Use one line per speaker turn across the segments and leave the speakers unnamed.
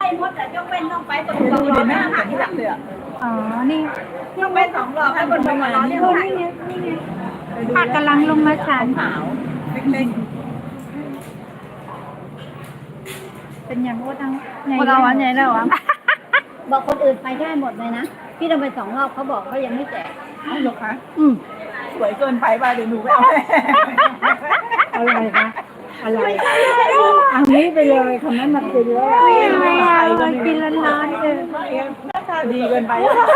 หมดแต่ยกเว้นต้องไปบนสองรอบไม่หาที่หลังเลย
อ๋อ นี่
ยกเว้น2 รอบให้บนสองรอบนี่
นี่ไงนี่ไงผักกำลังลงมาฉัน
ขาวเล็ก
เป็นอย่างว่าทั้ง
ๆพวกเราวันใหญ่แล้ววะ
บอกคนอื่นไปได้หมดเลยนะพี่ต้องไป2 รอบเขาบอกเขายังไม่แจก
อ้าวเหรอคะสวยเกินไปป่ะเดี๋ยวหนูไปเอา
อะไรคะอะไรอันนี้ไปเลยคำนั้นมากินแล้ว
ไม่เอากินร้อนๆเลย
หน้าตาดีเกินไป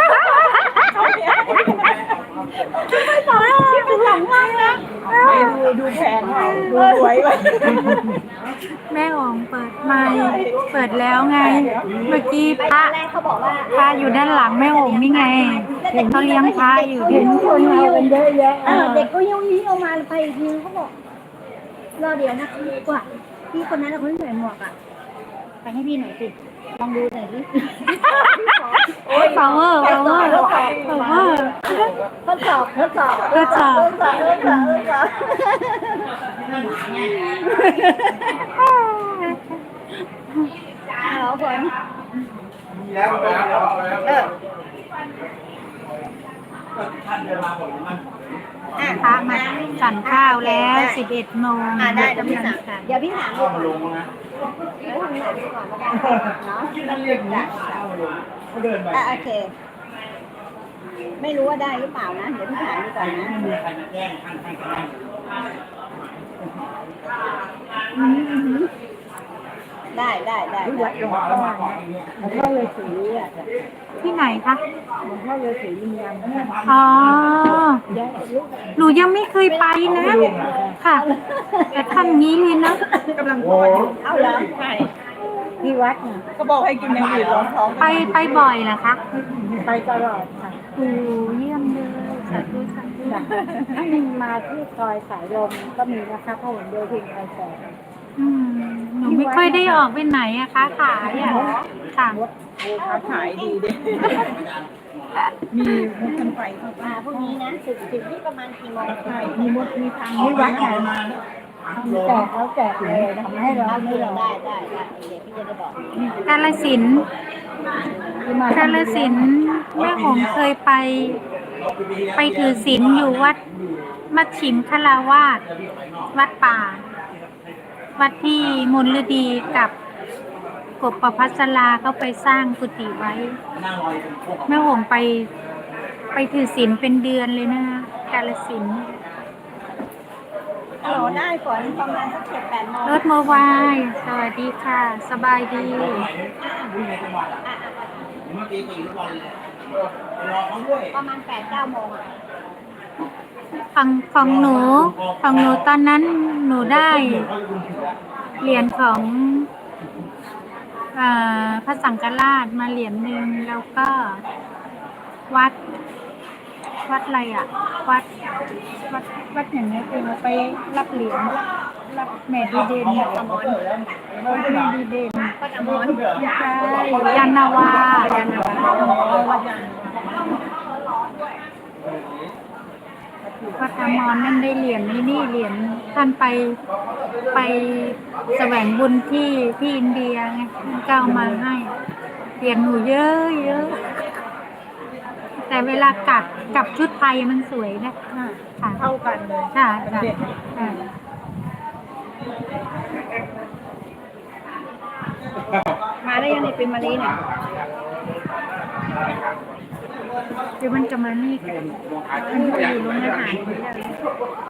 ไม่ต่อที่เป็นหลังมากนะ
ดูแพงดูสวยไป
แม่อ๋องเปิดไมค์เปิดแล้วไง เมื่อกี้พระ
แรกเขาบอกว่า
พระอยู่ด้านหลังแม่อ๋องนี่ไงเขาเลี้ยงพระอยู่
เห็นคนเอากันเยอะแยะเด็กก็ยิ้วยิ้วออกมาไปอีกทีเขาบอกรอเดี๋ยวนะกว่าพี่คนนั้นคนที่ใส่หมวกอ่ะไปให้พี่หน่อยสิลองดูหน่อยสิ
power power power
ทดสอบทดสอบ
ทดสอบ
ทดสอบทดสอบทดสอบเอาคน
พระมาฉันข้าวแล้ว11 โมง
ได้เดี๋ยวพี่ถามเดี๋ยวพี่ถามดูก่อน
มาลงนะ
แล้วทำไหนดูก่อนแล้วกันเนาะ
ที่นั่นเรียกนะเขาเดินไป
โอเค ไม่รู้ว่าได้หรือเปล่านะ เดี๋ยวพี่ถามดูก่อนนะ
ไม่มีใครมาแจ้งท่านก็นั่ง
ได้ได้ได้ได้
หลวงพ่อมาก่อนอย่างเงี้ย
หลวงพ่อเลยสีอ่ะ
ที่ไหนคะ
หลวงพ่อเลยสียิมยำ
อ๋อ
ย้ายลูก
หนูยังไม่เคยไปนะ ค่ะ แต่ทำงี้เลยนะ
กำลังป้อนอยู่
เอาเหรอ
ใช่
ที่วัดน่ะ
ก็บอกให้กินอย่างอื่นรองท้อง
ไปบ่อยเหรอคะ
ไปตลอดค่ะ
โอ้เยี่ยมเลยสาธุสาธุ
ถ้ามาที่ซอยสายลมก็มีนะคะพหลโยธินไปแสง
อืมหนูไม่ค่อยได้ออกไปไหนอะคะขายอะค่ะ
ค้าขายดีดิมีมุกกันไฟเข้าไป
มาพวกนี้นะถึงที่ประมาณกี่โมง
ใช่มีมดมีทาง
ที่วัด
ออก
น่ะ
มา
แจกแล้วแจกเลยทำให้เราไม่รอได้ได้ได้เดี๋ยวพี่จะได้บอก
กาฬสินธุ์กาฬสินธุ์แม่หงเคยไปถือศีลอยู่วัดมัชชิมคลาวาสวัดป่า วัดที่มลฤดีกับกบประพัสราเขาไปสร้างกุฏิไว้
นั่งรออยู่พวก
แม่หงไปถือศีลเป็นเดือนเลยนะคะกาฬสินธุ์
ฮัลโหลได้ฝนประมาณสัก7-8 โมง
รถโมบาย สวัสดีค่ะ สบายดี
วิ่งในจังหวัดอ่ะเมื่อกี้ตีทุกวันเลยรอเขาด้วย
ประมาณ8-9 โมงอ่ะ
ของหนูตอนนั้นหนูได้เหรียญของพระสังฆราชมาเหรียญหนึ่งแล้วก็วัดอะไรอ่ะ วัดอย่างเงี้ยคือไปรับเหรียญรับแม่ดีเด่นวัดแม่ดีเด่น
วัดอมร
ใช่ยานนาวาวัดอมรนั่นได้เหรียญนี่เหรียญท่านไปแสวงบุญที่อินเดียไงท่านก็เอามาให้เหรียญหนูเยอะแต่เวลกับชุดไทยมันสวยนะค่ะ
เท่ากันเลย
ค่ะ
เด็ด
ค่ะ
มาได้ยังในเป็นมาลีเนี่ย
เดี๋ยวมันจะมานี่กันมันอยู่โรงอาหาร